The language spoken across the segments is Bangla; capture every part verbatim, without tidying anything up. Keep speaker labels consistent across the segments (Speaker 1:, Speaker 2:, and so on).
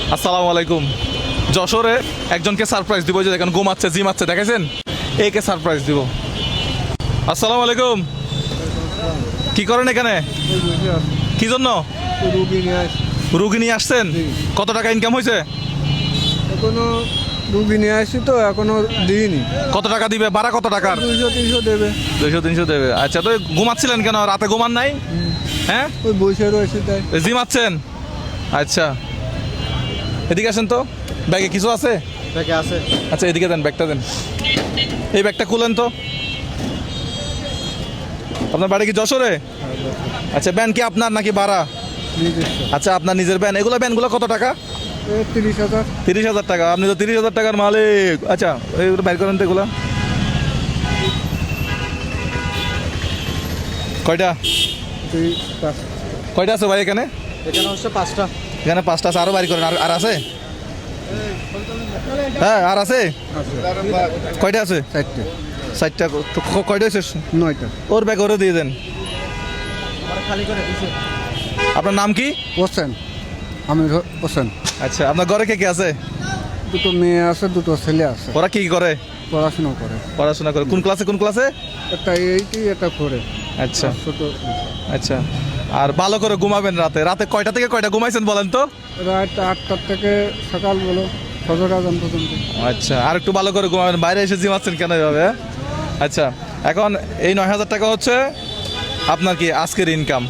Speaker 1: আসসালামু আলাইকুম। যশোরে একজনকে সারপ্রাইজ দিব, যে দেখেন ঘুমাচ্ছে, জিমাচ্ছে, দেখেছেন? একে সারপ্রাইজ দিব। আসসালামু আলাইকুম। কি করেন এখানে? কি জন্য? রুগী নিয়ে আসছেন? কত টাকা ইনকাম হয়েছে?
Speaker 2: এখনো রুগী নিয়ে আসছি তো এখনো দিইনি।
Speaker 1: কত টাকা দিবে? ভাড়া কত টাকার?
Speaker 2: দুইশো তিনশো দেবে।
Speaker 1: দুইশো তিনশো দেবে। আচ্ছা, তো ঘুমাচ্ছিলেন কেন? রাতে ঘুমান নাই? হ্যাঁ,
Speaker 2: ওই বসে রয়েছে তাই।
Speaker 1: জিমাচ্ছেন? আচ্ছা, এদিকে আসেন তো। ব্যাগে কিছু আছে?
Speaker 2: ব্যাগে আছে।
Speaker 1: আচ্ছা, এদিকে দেন, ব্যাগটা দেন। এই ব্যাগটা খুলেন তো। আপনার বাড়ি কি যশোরে? আচ্ছা, ব্যান কি আপনার নাকি ভাড়া? আচ্ছা, আপনার নিজের ব্যান। এগুলো ব্যানগুলো কত টাকা?
Speaker 2: তিরিশ হাজার।
Speaker 1: তিরিশ হাজার টাকা? আপনি তো তিরিশ হাজার টাকার মালিক। আচ্ছা, এইগুলো বাইর করেন তো। এগুলো কয়টা? কয়টা আছে ভাই এখানে?
Speaker 2: এখানে হচ্ছে পাঁচটা।
Speaker 1: এখানে পাঁচটা আছে, আরও বাইর করেন। আর আর আছে? হ্যাঁ, আর আছে? কয়টা আছে?
Speaker 2: চারটে।
Speaker 1: ষাটটা? কয়টা হয়েছে?
Speaker 2: নয়টা।
Speaker 1: ওর ব্যাগ ওরে দিয়ে দেন। আপনার নাম কি?
Speaker 2: হোসেন। আমি হোসেন।
Speaker 1: আচ্ছা, আপনার ঘরে কে কে আছে?
Speaker 2: দুটো মেয়ে আছে, দুটো ছেলে আছে।
Speaker 1: ওরা কি করে?
Speaker 2: পড়াশোনা করে।
Speaker 1: পড়াশোনা করে। কোন ক্লাসে? কোন ক্লাসে?
Speaker 2: একটা এইটি, একটা ফোরে।
Speaker 1: আচ্ছা
Speaker 2: ছোট।
Speaker 1: আচ্ছা। আর ভালো করে ঘুমাবেন রাতে। রাতে কয়টা থেকে কয়টা ঘুমাইছেন বলেন তো?
Speaker 2: রাত আটটার থেকে সকাল বলো ফজর আজান পর্যন্ত।
Speaker 1: আচ্ছা, আর একটু ভালো করে ঘুমাবেন। বাইরে এসে জিমাচ্ছেন কেন এভাবে? আচ্ছা, এখন এই নয় হাজার টাকা হচ্ছে আপনার কি আজকের ইনকাম।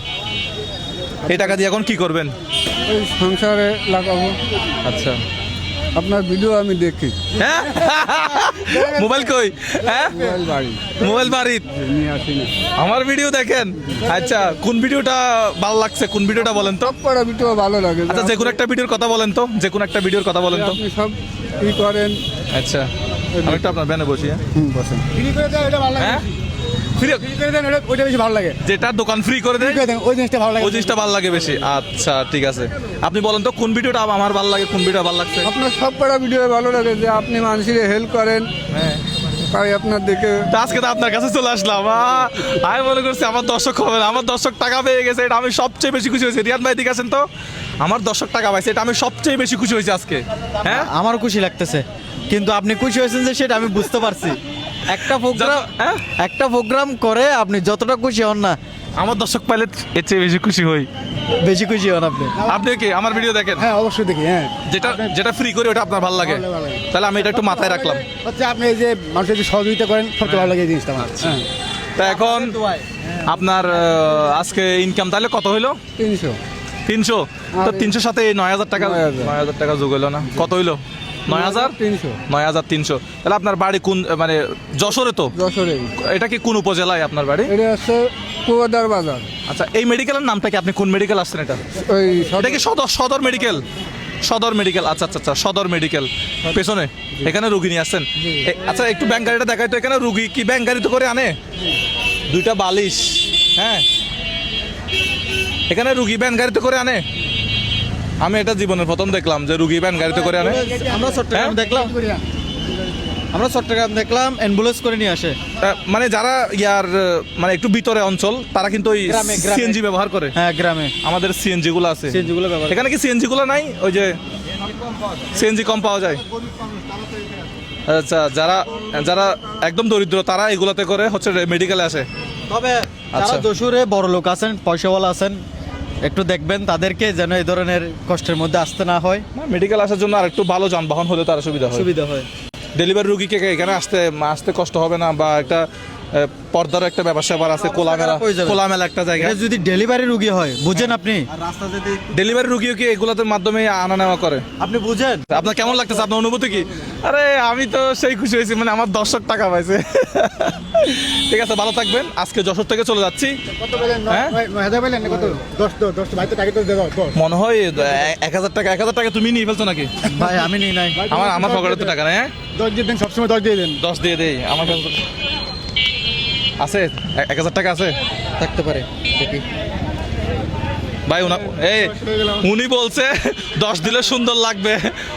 Speaker 1: এই টাকা দিয়ে এখন কি করবেন?
Speaker 2: ওই সংসারে লাগাবো।
Speaker 1: আচ্ছা।
Speaker 2: আপনার ভিডিও আমি দেখি।
Speaker 1: হ্যাঁ, মোবাইল কই? হ্যাঁ,
Speaker 2: মোবাইল বাড়ি।
Speaker 1: মোবাইল বাড়ির।
Speaker 2: নিয়ে আসি না।
Speaker 1: আমার ভিডিও দেখেন? আচ্ছা, কোন ভিডিওটা ভালো লাগছে? কোন ভিডিওটা বলেন তো?
Speaker 2: পড়া ভিডিও ভালো লাগে।
Speaker 1: আচ্ছা, যে কোনো একটা ভিডিওর কথা বলেন তো। যে কোনো একটা ভিডিওর কথা বলেন তো।
Speaker 2: আপনি সব ই করেন।
Speaker 1: আচ্ছা, আমি একটু আপনার ব্যানে বসি। হ্যাঁ,
Speaker 2: হুম, বসেন। ফ্রি করে দেন, এটা ভালো লাগে।
Speaker 1: হ্যাঁ? ফ্রি
Speaker 2: ফ্রি করে দেন, এটা ওইটা বেশি ভালো লাগে।
Speaker 1: যেটা দোকান ফ্রি করে দেয়
Speaker 2: ফ্রি করে দেন, ওই জিনিসটা ভালো লাগে।
Speaker 1: ওই জিনিসটা ভালো লাগে বেশি। আচ্ছা, ঠিক আছে। আপনি বলেন তো কোন ভিডিওটা আমার ভালো লাগে, কোন ভিডিওটা ভালো লাগছে?
Speaker 2: আপনার সব পড়া ভিডিও ভালো লাগে, যে আপনি মানুষের হেল্প করেন।
Speaker 1: হ্যাঁ,
Speaker 2: তাই আপনার দেখে
Speaker 1: তা আজকে তো আপনার কাছে চলে আসলাম। আহ, আমি মনে করছি আমার দর্শক হবে না। আমার দর্শক টাকা পেয়ে গেছে, এটা আমি সবচেয়ে বেশি খুশি হয়েছি। রিয়াদ ভাই দিকে আছেন তো। আমার দর্শক টাকা পাইছে, এটা আমি সবচেয়ে বেশি খুশি হয়েছি আজকে। হ্যাঁ,
Speaker 3: আমারও খুশি লাগতেছে, কিন্তু আপনি খুশি হয়েছেন যে সেটা আমি বুঝতে পারছি। একটা প্রোগ্রাম
Speaker 1: হ্যাঁ?
Speaker 3: একটা প্রোগ্রাম করে আপনি যতটা খুশি হন না,
Speaker 1: আমার দর্শক পাইলে এর চেয়ে বেশি খুশি হই।
Speaker 3: বেশি খুশি হন আপনি।
Speaker 1: আপনি কি আমার ভিডিও দেখেন?
Speaker 2: হ্যাঁ, অবশ্যই দেখি। হ্যাঁ,
Speaker 1: যেটা যেটা ফ্রি করি ওটা আপনার ভালো লাগে,
Speaker 2: ভালো লাগে।
Speaker 1: তাহলে আমি এটা একটু মাথায় রাখলাম।
Speaker 2: হচ্ছে আপনি এই যে মানুষের যে সহযোগিতা করেন, সবচেয়ে ভালো লাগে এই জিনিসটা আমার। হ্যাঁ,
Speaker 1: তা এখন আপনার আহ, আজকে ইনকাম তাহলে কত হইলো?
Speaker 2: তিনশো।
Speaker 1: তিনশো? তো
Speaker 2: আর-
Speaker 1: তিনশোর সাথে এই নয় হাজার টাকা,
Speaker 2: নয় হাজার।
Speaker 1: নয় হাজার টাকা যোগ হইলো না? কত হইলো? নয় হাজার
Speaker 2: তিনশো।
Speaker 1: নয় হাজার তিনশো। তাহলে আপনার বাড়ি কোন, মানে যশোরে তো?
Speaker 2: যশোরে।
Speaker 1: এটা কি কোন উপজেলায় আপনার বাড়ি?
Speaker 2: এটা হচ্ছে কুয়াদার বাজার।
Speaker 1: আচ্ছা, এই মেডিকেলের নামটা কি? আপনি কোন মেডিকেল আসছেন এটা?
Speaker 2: ওই
Speaker 1: এটা কি সদর সদর মেডিকেল? সদর মেডিকেল। আচ্ছা আচ্ছা আচ্ছা, সদর মেডিকেল পেছনে এখানে রুগী নিয়ে আসছেন। এ- আচ্ছা, একটু ব্যাংক গাড়িটা দেখাই তো। এখানে রুগী কি ব্যাংক গাড়িতে করে আনে? দুইটা বালিশ। হ্যাঁ, এখানে রুগী ব্যান গাড়িতে করে আনে? আমি এটা জীবনের প্রথম দেখলাম যে রুগী ব্যান গাড়িতে করে আনে।
Speaker 3: আমরা চট্টগ্রাম
Speaker 1: হ্যাঁ?
Speaker 3: দেখলাম আমরা চট্টগ্রাম দেখলাম অ্যাম্বুলেন্স করে নিয়ে আসে।
Speaker 1: আহ, মানে যারা ইয়ার আহ, মানে একটু ভিতরে অঞ্চল, তারা কিন্তু ওই
Speaker 3: গ্রামে, গ্রামে।
Speaker 1: সিএনজি ব্যবহার করে।
Speaker 3: হ্যাঁ, গ্রামে
Speaker 1: আমাদের সিএনজি গুলো আছে।
Speaker 3: সিএনজি গুলো ব্যবহার।
Speaker 1: এখানে কি সিএনজি গুলো নাই? ওই যে সিএনজি কম পাওয়া যায়। আচ্ছা, যারা যারা একদম দরিদ্র তারা এগুলাতে করে হচ্ছে মেডিকেলে আসে।
Speaker 3: তবে
Speaker 1: আচ্ছা।
Speaker 3: যারা যশোরে বড় লোক আছেন, পয়সাওয়ালা আছেন, একটু দেখবেন তাদেরকে যেন এই ধরনের কষ্টের মধ্যে আসতে না হয়,
Speaker 1: মেডিকেল আসার জন্য আর একটু ভালো যানবাহন হলে তার সুবিধা হয়।
Speaker 3: সুবিধা হয়।
Speaker 1: ডেলিভারি রুগীকে এখানে আসতে আসতে কষ্ট হবে না, বা একটা আহ, পর্দার একটা ব্যবসা আবার আছে, খোলামেলা
Speaker 3: হয়ে যাবে।
Speaker 1: খোলামেলা একটা জায়গা।
Speaker 3: এটা যদি ডেলিভারি রুগী হয়, বুঝেন আপনি?
Speaker 1: ডেলিভারি রুগীও কি এগুলোর মাধ্যমে আনা নেওয়া করে?
Speaker 3: আপনি বুঝেন?
Speaker 1: আপনার কেমন লাগতেছে? আপনার অনুভূতি কি? আরে আমি তো সেই খুশি হয়েছি, মানে আমার দর্শক টাকা পাইছে। ঠিক আছে, ভালো থাকবেন। আজকে যশোর থেকে চলে যাচ্ছি।
Speaker 2: কত বলেন?
Speaker 1: হ্যাঁ?
Speaker 2: নয় হাজার বলেন না? কত? দশ দশ দশ ভাই তো টাকা তো দেবো।
Speaker 1: মনে হয় এ- এক হাজার টাকা এক হাজার টাকা তুমি নিয়ে ফেলছো নাকি?
Speaker 3: ভাই আমি নিই নাই।
Speaker 1: আমার আমার পকেটে তো টাকা নেই। হ্যাঁ,
Speaker 2: দশ দিয়ে দেন, সবসময় দশ দিয়ে দেন।
Speaker 1: দশ দিয়ে দেই। আমার কাছে তো- আছে এ- এক হাজার টাকা আছে
Speaker 3: থাকতে পারে, দেখি।
Speaker 1: ভাই। উনা এই উনি বলছে দশ দিলে সুন্দর লাগবে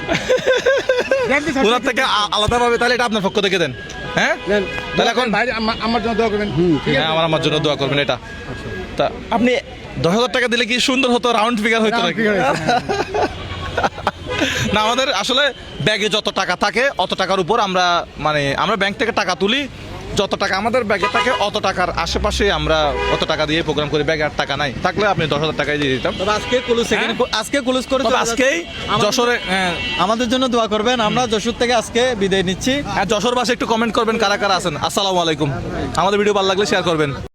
Speaker 1: ওনার থেকে আ- আলাদা ভাবে। তাহলে এটা আপনার পক্ষ থেকে দেন। হ্যাঁ,
Speaker 2: দেন।
Speaker 1: তাহলে এখন
Speaker 2: ভাই আমার- আমার জন্য দোয়া করবেন। হুম, ঠিক
Speaker 1: হ্যাঁ, আমার আমার জন্য দোয়া করবেন। এটা তা আপনি দশ হাজার টাকা দিলে কি সুন্দর হতো? রাউন্ড ফিগার হতো
Speaker 2: Round
Speaker 1: নাকি?
Speaker 2: figure হয়েছে,
Speaker 1: না আমাদের আসলে ব্যাগে যত টাকা থাকে অত টাকার উপর আমরা মানে আমরা ব্যাংক থেকে টাকা তুলি, যত টাকা আমাদের ব্যাগে থাকে অত টাকার আশেপাশে আমরা অত টাকা দিয়ে প্রোগ্রাম করি। ব্যাগে আর টাকা নাই, থাকলে আপনি দশ হাজার টাকায় দিয়ে দিতাম।
Speaker 3: তবে আজকে কুলুস এখানে আজকে কুলুস করে
Speaker 1: তবে
Speaker 3: চলে
Speaker 1: আজকেই
Speaker 3: যাচ্ছে। আমাদের-
Speaker 1: যশোরে হ্যাঁ,
Speaker 3: আমাদের জন্য দোয়া করবেন। আমরা যশোর থেকে আজকে বিদায় নিচ্ছি।
Speaker 1: হ্যাঁ যশোর বাসে একটু কমেন্ট করবেন কারা কারা আছেন। আসসালামু আলাইকুম। আমাদের ভিডিও ভালো লাগলে শেয়ার করবেন।